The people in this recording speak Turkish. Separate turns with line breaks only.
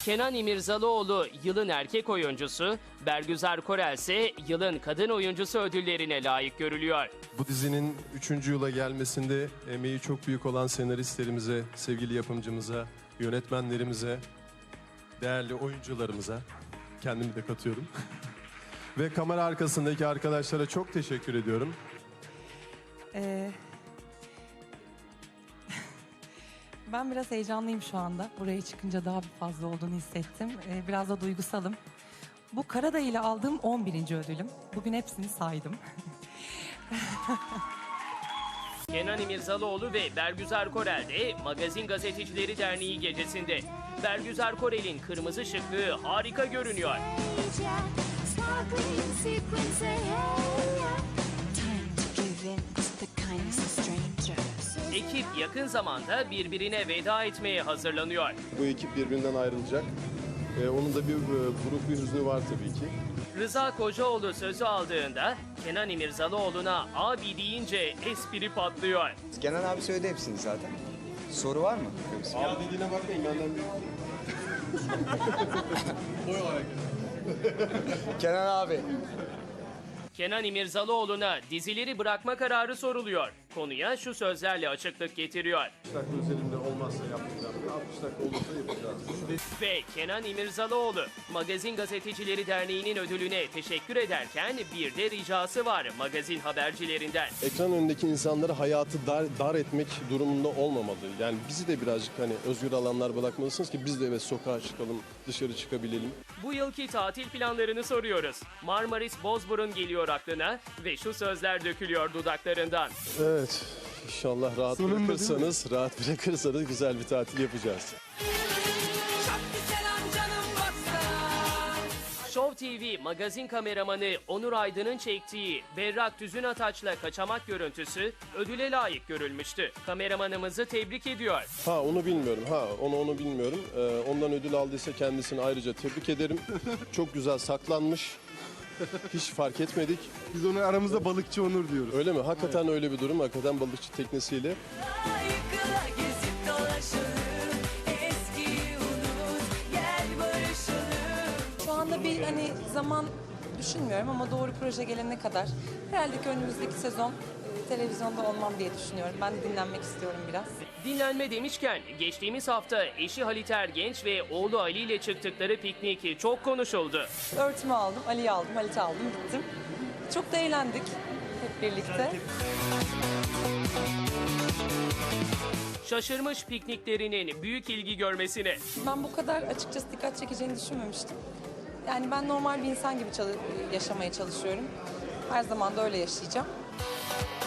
Kenan İmirzalıoğlu yılın erkek oyuncusu, Bergüzar Korel ise yılın kadın oyuncusu ödüllerine layık görülüyor.
Bu dizinin 3. yıla gelmesinde emeği çok büyük olan senaristlerimize, sevgili yapımcımıza, yönetmenlerimize, değerli oyuncularımıza, kendimi de katıyorum. Ve kamera arkasındaki arkadaşlara çok teşekkür ediyorum.
Ben biraz heyecanlıyım şu anda. Buraya çıkınca daha bir fazla olduğunu hissettim. Biraz da duygusalım. Bu Karadağ ile aldığım 11. ödülüm. Bugün hepsini saydım.
Kenan İmirzalıoğlu ve Bergüzar Korel de Magazin Gazetecileri Derneği gecesinde. Bergüzar Korel'in kırmızı şıklığı harika görünüyor. Ekip yakın zamanda birbirine veda etmeye hazırlanıyor.
Bu ekip birbirinden ayrılacak. Onun da bir buruk bir hüznü var tabii ki.
Rıza Kocaoğlu sözü aldığında Kenan İmirzalıoğlu'na abi deyince espri patlıyor.
Kenan abi söyledi hepsini zaten. Soru var mı?
Abi dediğine bakmayın, benden büyük. Boy olarak.
Kenan abi.
Kenan İmirzalıoğlu'na dizileri bırakma kararı soruluyor. Konuya şu sözlerle açıklık getiriyor.
60 dakika üzerinde olmazsa yapmayacağım. 60 dakika olursa yapacağız.
Ve Kenan İmirzalıoğlu, Magazin Gazetecileri Derneği'nin ödülüne teşekkür ederken bir de ricası var magazin habercilerinden.
Ekran önündeki insanları hayatı dar etmek durumunda olmamalı. Yani bizi de birazcık hani özgür alanlar bırakmalısınız ki biz de evet sokağa çıkalım, dışarı çıkabilelim.
Bu yılki tatil planlarını soruyoruz. Marmaris Bozburun geliyor aklına ve şu sözler dökülüyor dudaklarından.
Evet, inşallah rahat bırakırsanız güzel bir tatil yapacağız.
Show TV magazin kameramanı Onur Aydın'ın çektiği Berrak Düzün Ataç'la kaçamak görüntüsü ödüle layık görülmüştü. Kameramanımızı tebrik ediyor.
Onu bilmiyorum. Onu bilmiyorum. Ondan ödül aldıysa kendisini ayrıca tebrik ederim. Çok güzel saklanmış. Hiç fark etmedik.
Biz ona aramızda balıkçı Onur diyoruz.
Öyle mi? Hakikaten öyle bir durum. Hakikaten balıkçı teknesiyle.
Şu anda bir zaman düşünmüyorum ama doğru proje gelene kadar herhalde ki önümüzdeki sezon televizyonda olmam diye düşünüyorum. Ben de dinlenmek istiyorum biraz.
Dinlenme demişken geçtiğimiz hafta eşi Halit Ergenç ve oğlu Ali ile çıktıkları piknik çok konuşuldu.
Örtümü aldım, Ali'yi aldım, Halit'i aldım, gittim. Çok da eğlendik hep birlikte.
Şaşırmış pikniklerinin büyük ilgi görmesine.
Ben bu kadar açıkçası dikkat çekeceğini düşünmemiştim. Yani ben normal bir insan gibi yaşamaya çalışıyorum. Her zaman da öyle yaşayacağım.